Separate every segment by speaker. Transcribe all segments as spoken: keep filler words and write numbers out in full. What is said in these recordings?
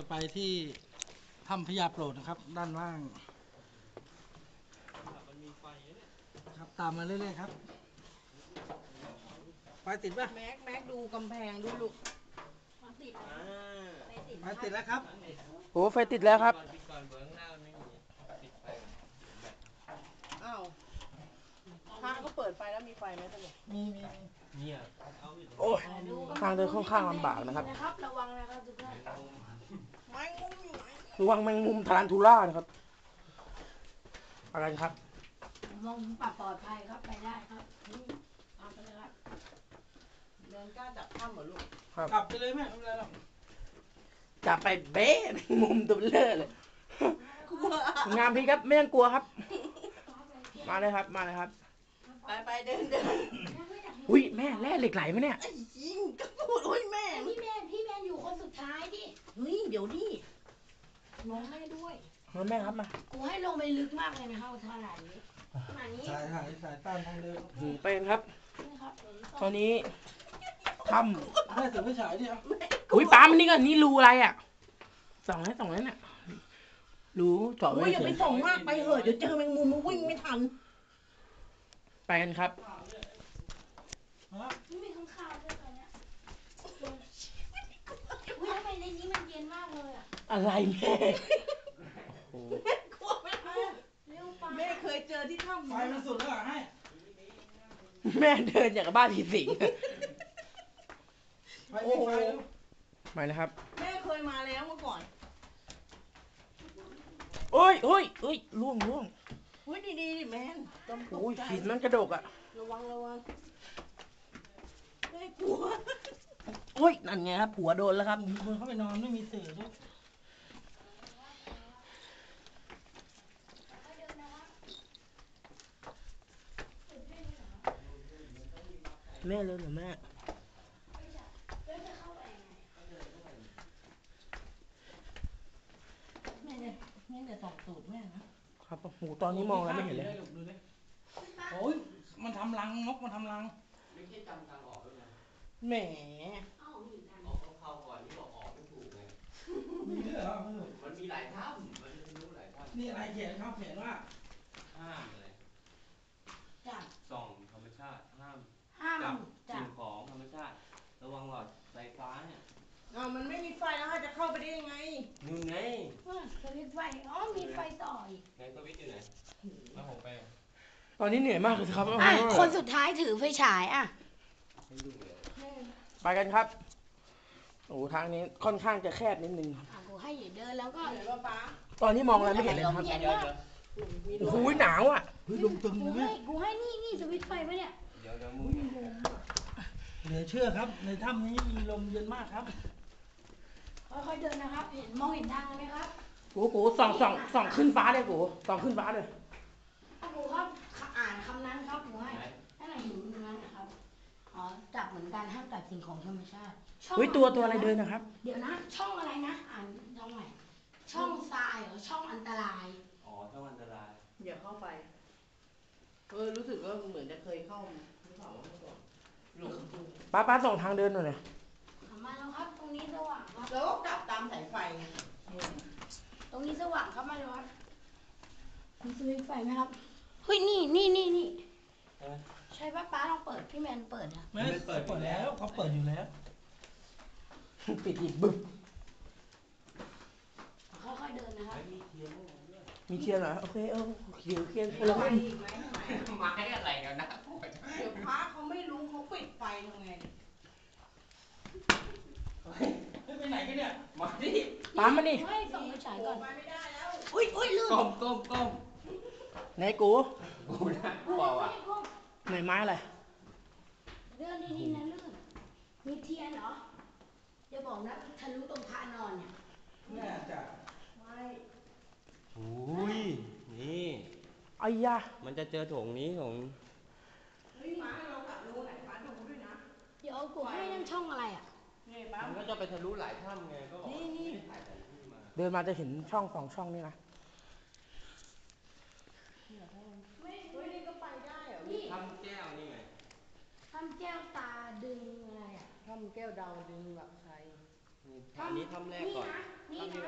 Speaker 1: ไปที่ถ้ำพญาโปรดนะครับด้านล่างมันมีไฟเนี่ยครับตามมาเรื่อยๆครับไฟติดป่ะ
Speaker 2: แม็กแม็กดูกำแพงดูลูก
Speaker 1: ติดไฟติดแล้วครับ
Speaker 3: โอ้ไฟติดแล้วครับ
Speaker 2: อ้าวพระก็เปิดไฟแล้วมีไฟไหมท่านเนี่ย
Speaker 1: มีมี
Speaker 3: เนี่ยโอ้ยทางเดินค่อนข้างลำบากนะครับ
Speaker 4: ระวังนะครับทุกท่าน
Speaker 2: แมงมุมอยู่ไหน
Speaker 3: ระวังแมงมุมทารันทูล่านะครับอะไรครับ
Speaker 4: มองปลอดปลอดภัยครับไปได้ครับทำไปเลยครับ
Speaker 2: เดินกล้าจับถ้ำเหรอลูก
Speaker 1: กลับไปเลยแม่ไม่เป็นไรหรอก
Speaker 3: จับไปเบ๊ะแมงมุมตัวเบลอเลยงามพี่ครับไม่ต้องกลัวครับมาเลยครับมาเลยครับ
Speaker 2: ไปไปเดินเดิน
Speaker 3: อุ้ยแม่แร่เหล็กไหลไหมเนี่ย
Speaker 2: ไอ้ยิงก็พูดโอ้ยแม่
Speaker 4: พี่แมนพี่แมนอยู่คนสุดท้ายดิ
Speaker 2: เฮ้ยเดี๋ยวดิน้องแม่ด้วย
Speaker 3: มาแม่ครับมา
Speaker 4: กูให้ลงไปลึกมากเลยนะครับขนาดนี้ขนาดนี้
Speaker 1: สายสายสายต้านทางเดิน
Speaker 3: หืมเป็นครับตอนนี้ท
Speaker 1: ำแม่ถือไฟฉายดิครับ
Speaker 3: อุ้ยป้ามันนี่ก่อนนี่รูอะไรอ่ะส่องแล้วส่องแล้วเนี่ยรูเจาะไว้
Speaker 2: โอ้ยอย่าไปส่องมากไปเหอะเดี๋ยวเจอแมงมุมมันวิ่งไม่ทัน
Speaker 3: ไปกันครับ
Speaker 4: ไม่มีข้างคาวด้วยตอนเนี้ยอุ้ยทำไมในนี้มันเย็นมากเลยอ่ะ
Speaker 3: อะไรแม่
Speaker 2: แม่กลัวแม่แม่เคยเจอที่ถ้ำ
Speaker 1: ไฟมันสุดแล้วให้
Speaker 3: แม่เดินอย่างกับบ้านผีสิง
Speaker 1: โอ้โห
Speaker 3: ไปนะครับ
Speaker 2: แม่เคยมาแล้วเมื่อก่อน
Speaker 3: โอ้ยโอ้ยโอ้ยล่วงล่วง
Speaker 2: เฮ้ยดีดีแมน
Speaker 3: โอ้ยหินมันกระดกอ่ะ
Speaker 2: ระวังระวังแม่กลัว
Speaker 3: โอ้ยนั่นไงครับผัวโดนแล้วครับ
Speaker 1: มีคนเข้าไปนอนไม่มีเสือด้วย
Speaker 3: แม่เลยเหรอแม่
Speaker 2: แม่เนี่ยแม่เนี่ยสองตูดแม่นะครับ
Speaker 3: หูตอนนี้มองแล้วไม่เห็นเลย
Speaker 1: โอ้ยมันทำรังนกมันทำรัง
Speaker 5: ไม่ใช่จำทางออกด้วยนะ
Speaker 2: แหม
Speaker 5: ออกเข้าก่อนนี่บอกออกไม่ถูกไง
Speaker 1: มีด้วยเหรอ
Speaker 5: มันมีหลายถ้ำมันรู้หลายถ้ำ
Speaker 1: นี่อะไรเขียนเขาเขียนว่า
Speaker 5: ห้ามอะไร
Speaker 4: จับ
Speaker 5: ส่องธรรมชาติห้าม
Speaker 4: ห้าม
Speaker 5: จับสิ่งของธรรมชาติระวังหลอดไฟฟ้าเนี่ย
Speaker 2: อ้าวมันไม่มีไฟแล้วจะเข้าไปได้ยังไง
Speaker 5: นู่นไง
Speaker 4: สวิตช์ไฟอ๋อมีไฟต่ออีก
Speaker 5: ไหนสวิตช์อยู่ไหนมาผมไป
Speaker 3: ตอนนี้เหนื่อยมากเลยครับ
Speaker 4: คนสุดท้ายถือไฟฉายอ่ะ
Speaker 3: ไปกันครับโอ้ทางนี้ค่อนข้างจะแคบนิดนึง
Speaker 4: กูให้อยู่เดินแล้วก็
Speaker 3: ตอนนี้มองอะไรไม่เห็นเลยครับโอ้โหหนาวอ่ะ
Speaker 1: ลมตึงเลยแม่
Speaker 4: กูให้นี่นี่สวิตช์ไฟปะเนี่ย
Speaker 5: เดี๋ยวเดี๋ยวมือ
Speaker 1: เหลือเชื่อครับในถ้ำนี้มีลมเย็นมากครับ
Speaker 4: ค่อยๆเดินนะครับเห็นมองเห็นทางไหมครับ
Speaker 3: กูกูส่องส่องส่องขึ้นฟ้าเลยกูส่องขึ้นฟ้าเลย
Speaker 4: กูครับอ่านคำนั้นครับกูให้ให้หน่อยหินตรงนั้นนะครับอ๋อจับเหมือนกันห้ามจับสิ่งของธรรมชาติ
Speaker 3: เฮ้ยตัวตัวอะไรเดินนะครับ
Speaker 4: เดี๋ยวนะช่องอะไรนะอ่านช่องไหนช่องทรายหรือช่องอันตราย
Speaker 5: อ๋อช่องอันตราย
Speaker 2: อย่าเข้าไปเออรู้สึกว่าเหมือนจะเคยเข้าหรือเปล่าเมื่อก่อน
Speaker 3: ป้าป้าส่งทางเดินหน่อยเลย
Speaker 4: มาแล้วครับตรงนี้สว่างครับ
Speaker 2: แล้วก็กลับตามสายไฟ
Speaker 4: ตรงนี้สว่างครับมาเลยครับมีสวิตช์ไฟไหมครับเฮ้ยนี่นี่นี่นี่ใช่ป้าป้าลองเปิดพี่แมนเปิดนะ
Speaker 1: ไม่เปิดเปิดแล้วเขาเปิดอยู่แล้ว
Speaker 3: ปิดอีกบึ้ม
Speaker 4: ค่อยๆเดินนะครับ
Speaker 3: มีเทียนเหรอโอเคเออเขียวเทียนคนละ
Speaker 2: ไฟ
Speaker 3: ไม่
Speaker 2: อีกไหมทำไม
Speaker 5: ไม้อะไรกันนะ
Speaker 2: เดี๋ยวพระเขาไม่รู้เขาปิดไฟทำไง
Speaker 1: ไปไหนกันเนี่ย
Speaker 5: มาดิ
Speaker 3: ตามมาดิ
Speaker 4: ให้ส่องไฟฉายก่อน
Speaker 2: ไปไม่ได้แล้ว
Speaker 4: อุ้ยอุ้ยลืม
Speaker 5: ก้มก้มก้ม
Speaker 3: ไหนกู
Speaker 5: กูนะกูเอาอ่ะ
Speaker 3: ไหนไม้อะไร
Speaker 4: เดินดีๆนะลื่นมีเทียนเหรออย่าบอกนะทะลุตรงพระนอนเนี่ย
Speaker 1: แม่จะ
Speaker 4: ไม่
Speaker 5: โอ้ยนี่
Speaker 3: ไอ้ยา
Speaker 5: มันจะเจอโถงนี้โถง
Speaker 2: เฮ้ยมาเรากลับรู้ไหนมาดูด้วยนะ
Speaker 4: เดี๋ยวกูให้นั่งช่องอะไรอ่ะ
Speaker 5: มันก็จะไปทะลุหลายถ้ำไงก็บอกนี่นี่
Speaker 3: เดินมาจะเห็นช่องสองช่องนี่นะ
Speaker 2: ไม่เฮ้ยนี่ก็ไปได้เหรอ
Speaker 5: ถ้ำแก้วนี่ไง
Speaker 4: ถ้ำแก้วตาดึงอะไรอ่ะ
Speaker 2: ถ้ำแก้วดาวดึงหลักชัย
Speaker 5: อันนี้ถ้ำแรกก่อน
Speaker 4: นี่นะ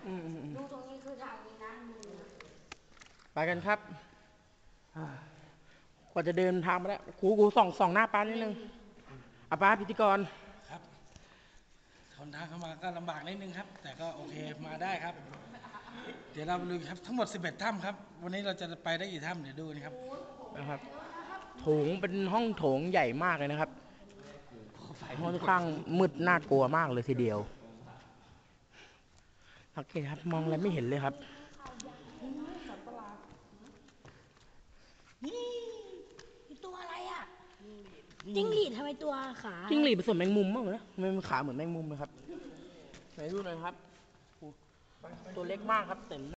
Speaker 3: อืมอืมอืม
Speaker 4: ดูตรงนี้คือทางนี้นะดูนะ
Speaker 3: ไปกันครับอ่ากว่าจะเดินทางมาแล้วกูกูส่องส่องหน้าป้านิดนึงอ่ะป้าพิธีกร
Speaker 1: ครับทนทางเข้ามาก็ลำบากนิดนึงครับ แต่ก็โอเคมาได้ครับ เดี๋ยวเราไปดูครับทั้งหมดสิบเอ็ดถ้ำครับ วันนี้เราจะไปได้กี่ถ้ำเดี๋ยวดูนะครับ
Speaker 3: นะครับโถงเป็นห้องโถงใหญ่มากเลยนะครับค่อนข้างมืดน่ากลัวมากเลยทีเดียวสังเกตครับมองอะไรไม่เห็นเลยครับ
Speaker 4: นี่ตัวอะไรอ่ะจิ้งหรีดทำไมตัวขา
Speaker 3: จิ้งหรีดผสมแมงมุมมั้งเหรอทำไมมันขาเหมือนแมงมุมเลยครับไหนดูหน่อยครับโอ้ตัวเล็กมากครับเต็ม